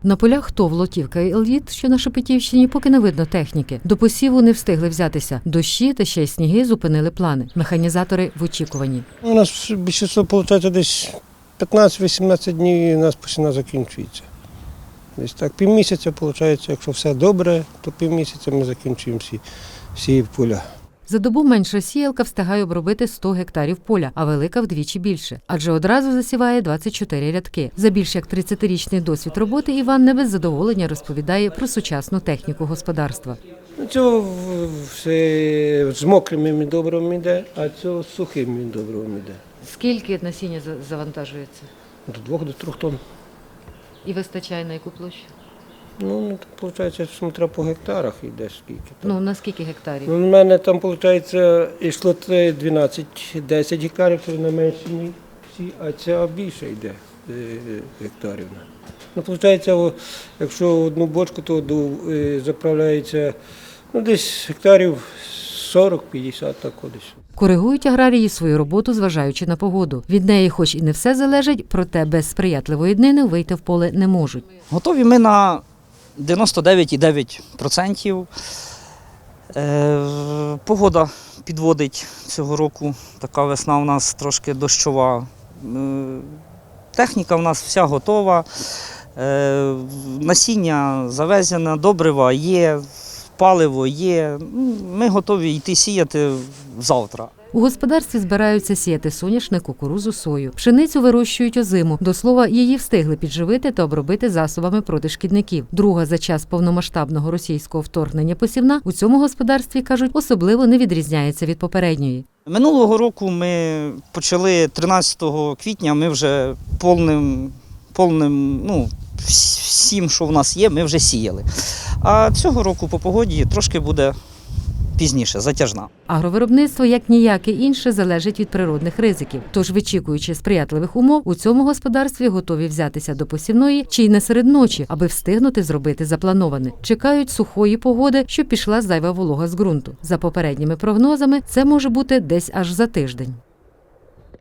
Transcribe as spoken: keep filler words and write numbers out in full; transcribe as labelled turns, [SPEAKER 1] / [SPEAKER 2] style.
[SPEAKER 1] На полях ТОВ «Лотівка» і «Еліт», що на Шепетівщині, поки не видно техніки. До посіву не встигли взятися. Дощі та ще й сніги зупинили плани. Механізатори в очікуванні.
[SPEAKER 2] У нас більшість, виходить, десь п'ятнадцять-вісімнадцять днів і у нас посівна закінчується. Десь так півмісяця, виходить, якщо все добре, то півмісяця ми закінчуємо всі, всі поля.
[SPEAKER 1] За добу менша сіялка встигає обробити сто гектарів поля, а велика вдвічі більше. Адже одразу засіває двадцять чотири рядки. За більш як тридцятирічний досвід роботи Іван не без задоволення розповідає про сучасну техніку господарства.
[SPEAKER 2] Цього все з мокрим добривом йде, а цього з сухим добривом йде.
[SPEAKER 1] Скільки насіння завантажується?
[SPEAKER 2] До двох, до трьох тонн.
[SPEAKER 1] І вистачає на яку площу?
[SPEAKER 2] Ну, виходить, смотря по гектарах йде скільки.
[SPEAKER 1] Ну, на скільки гектарів?
[SPEAKER 2] Ну, у мене там, виходить, йшло дванадцять-десять гектарів, це на менші всі, а ця більше йде гектарів. Ну, виходить, якщо одну бочку, то заправляється ну, десь гектарів сорок-п'ятдесят, так десь.
[SPEAKER 1] Коригують аграрії свою роботу, зважаючи на погоду. Від неї хоч і не все залежить, проте без сприятливої днини вийти в поле не можуть.
[SPEAKER 3] Готові ми на дев'яносто дев'ять цілих дев'ять десятих відсотка. Е, погода підводить цього року, така весна у нас трошки дощова. Е, техніка у нас вся готова, е, насіння завезено, добрива є, паливо є. Ми готові йти сіяти завтра.
[SPEAKER 1] У господарстві збираються сіяти соняшник, кукурудзу, сою. Пшеницю вирощують озиму. До слова, її встигли підживити та обробити засобами проти шкідників. Друга за час повномасштабного російського вторгнення посівна у цьому господарстві, кажуть, особливо не відрізняється від попередньої.
[SPEAKER 3] Минулого року ми почали тринадцятого квітня, ми вже повним, повним, ну, всім, що в нас є, ми вже сіяли. А цього року по погоді трошки буде пізніше, затяжна.
[SPEAKER 1] Агровиробництво, як ніяке інше, залежить від природних ризиків. Тож, вичікуючи сприятливих умов, у цьому господарстві готові взятися до посівної чи й не серед ночі, аби встигнути зробити заплановане. Чекають сухої погоди, щоб пішла зайва волога з ґрунту. За попередніми прогнозами, це може бути десь аж за тиждень.